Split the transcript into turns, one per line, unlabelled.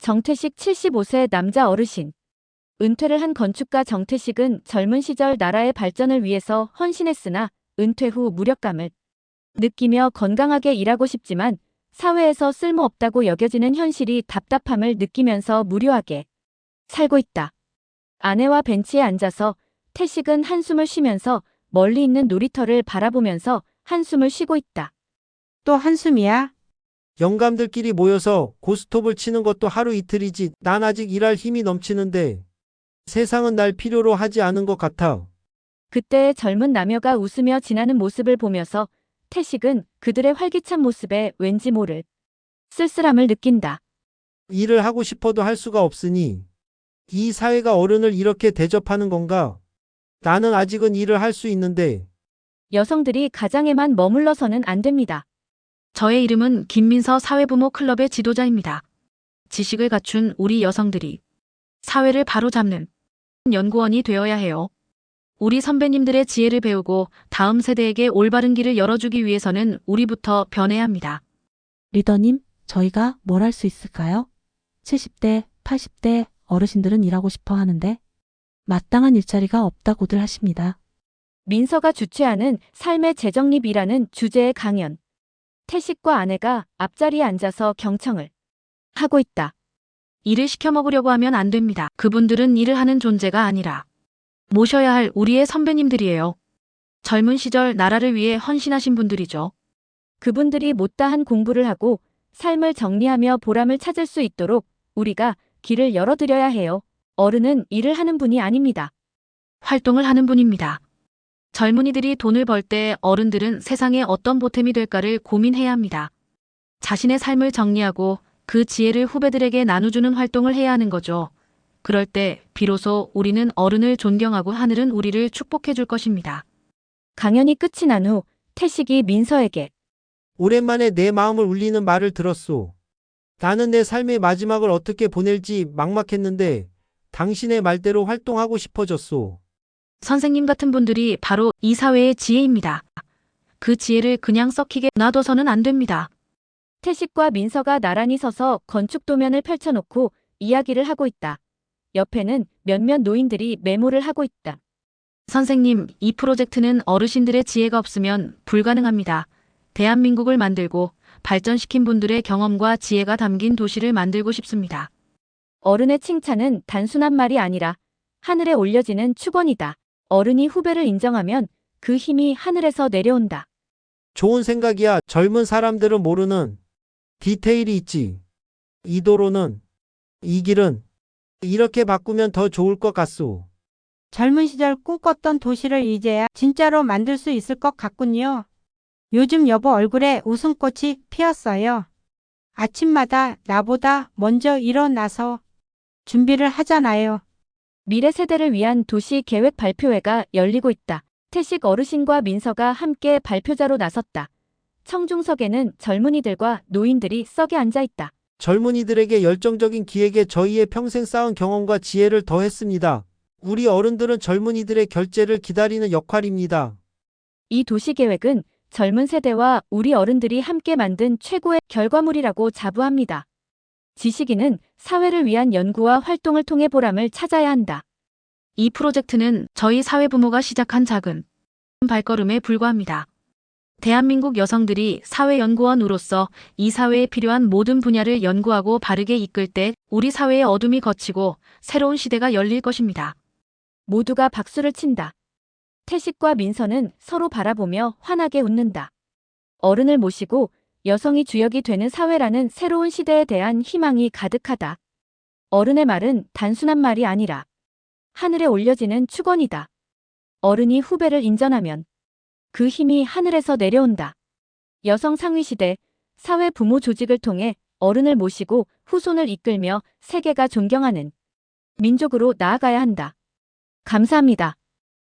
정태식 75세 남자 어르신. 은퇴를 한 건축가 정태식은 젊은 시절 나라의 발전을 위해서 헌신했으나 은퇴 후 무력감을 느끼며 건강하게 일하고 싶지만 사회에서 쓸모없다고 여겨지는 현실이 답답함을 느끼면서 무료하게 살고 있다. 아내와 벤치에 앉아서 태식은 한숨을 쉬면서 멀리 있는 놀이터를 바라보면서 한숨을 쉬고 있다.
또 한숨이야?
영감들끼리 모여서 고스톱을 치는 것도 하루 이틀이지. 난 아직 일할 힘이 넘치는데 세상은 날 필요로 하지 않은 것 같아.
그때의 젊은 남녀가 웃으며 지나는 모습을 보면서 태식은 그들의 활기찬 모습에 왠지 모를 쓸쓸함을 느낀다.
일을 하고 싶어도 할 수가 없으니 이 사회가 어른을 이렇게 대접하는 건가? 나는 아직은 일을 할 수 있는데.
여성들이 가장에만 머물러서는 안 됩니다.
저의 이름은 김민서 사회부모 클럽의 지도자입니다. 지식을 갖춘 우리 여성들이 사회를 바로잡는 연구원이 되어야 해요. 우리 선배님들의 지혜를 배우고 다음 세대에게 올바른 길을 열어주기 위해서는 우리부터 변해야 합니다.
리더님, 저희가 뭘 할 수 있을까요? 70대, 80대 어르신들은 일하고 싶어 하는데 마땅한 일자리가 없다고들 하십니다.
민서가 주최하는 삶의 재정립이라는 주제의 강연. 태식과 아내가 앞자리에 앉아서 경청을 하고 있다.
일을 시켜 먹으려고 하면 안 됩니다. 그분들은 일을 하는 존재가 아니라 모셔야 할 우리의 선배님들이에요. 젊은 시절 나라를 위해 헌신하신 분들이죠.
그분들이 못다한 공부를 하고 삶을 정리하며 보람을 찾을 수 있도록 우리가 길을 열어드려야 해요. 어른은 일을 하는 분이 아닙니다.
활동을 하는 분입니다. 젊은이들이 돈을 벌 때 어른들은 세상에 어떤 보탬이 될까를 고민해야 합니다. 자신의 삶을 정리하고 그 지혜를 후배들에게 나눠주는 활동을 해야 하는 거죠. 그럴 때 비로소 우리는 어른을 존경하고 하늘은 우리를 축복해 줄 것입니다.
강연이 끝이 난 후 태식이 민서에게
오랜만에 내 마음을 울리는 말을 들었소. 나는 내 삶의 마지막을 어떻게 보낼지 막막했는데 당신의 말대로 활동하고 싶어졌소.
선생님 같은 분들이 바로 이 사회의 지혜입니다. 그 지혜를 그냥 썩히게 놔둬서는 안 됩니다.
태식과 민서가 나란히 서서 건축 도면을 펼쳐놓고 이야기를 하고 있다. 옆에는 몇몇 노인들이 메모를 하고 있다.
선생님, 이 프로젝트는 어르신들의 지혜가 없으면 불가능합니다. 대한민국을 만들고 발전시킨 분들의 경험과 지혜가 담긴 도시를 만들고 싶습니다.
어른의 칭찬은 단순한 말이 아니라 하늘에 올려지는 축원이다. 어른이 후배를 인정하면 그 힘이 하늘에서 내려온다.
좋은 생각이야. 젊은 사람들은 모르는 디테일이 있지. 이 도로는, 이 길은 이렇게 바꾸면 더 좋을 것 같소.
젊은 시절 꿈꿨던 도시를 이제야 진짜로 만들 수 있을 것 같군요. 요즘 여보 얼굴에 웃음꽃이 피었어요. 아침마다 나보다 먼저 일어나서 준비를 하잖아요.
미래 세대를 위한 도시 계획 발표회가 열리고 있다. 태식 어르신과 민서가 함께 발표자로 나섰다. 청중석에는 젊은이들과 노인들이 썩에 앉아 있다.
젊은이들에게 열정적인 기획에 저희의 평생 쌓은 경험과 지혜를 더했습니다. 우리 어른들은 젊은이들의 결재를 기다리는 역할입니다.
이 도시 계획은 젊은 세대와 우리 어른들이 함께 만든 최고의 결과물이라고 자부합니다. 지식인은 사회를 위한 연구와 활동을 통해 보람을 찾아야 한다.
이 프로젝트는 저희 사회부모가 시작한 작은 발걸음에 불과합니다. 대한민국 여성들이 사회연구원으로서 이 사회에 필요한 모든 분야를 연구하고 바르게 이끌 때 우리 사회의 어둠이 걷히고 새로운 시대가 열릴 것입니다.
모두가 박수를 친다. 태식과 민서는 서로 바라보며 환하게 웃는다. 어른을 모시고 여성이 주역이 되는 사회라는 새로운 시대에 대한 희망이 가득하다. 어른의 말은 단순한 말이 아니라 하늘에 올려지는 축원이다. 어른이 후배를 인정하면 그 힘이 하늘에서 내려온다. 여성 상위시대, 사회 부모 조직을 통해 어른을 모시고 후손을 이끌며 세계가 존경하는 민족으로 나아가야 한다. 감사합니다.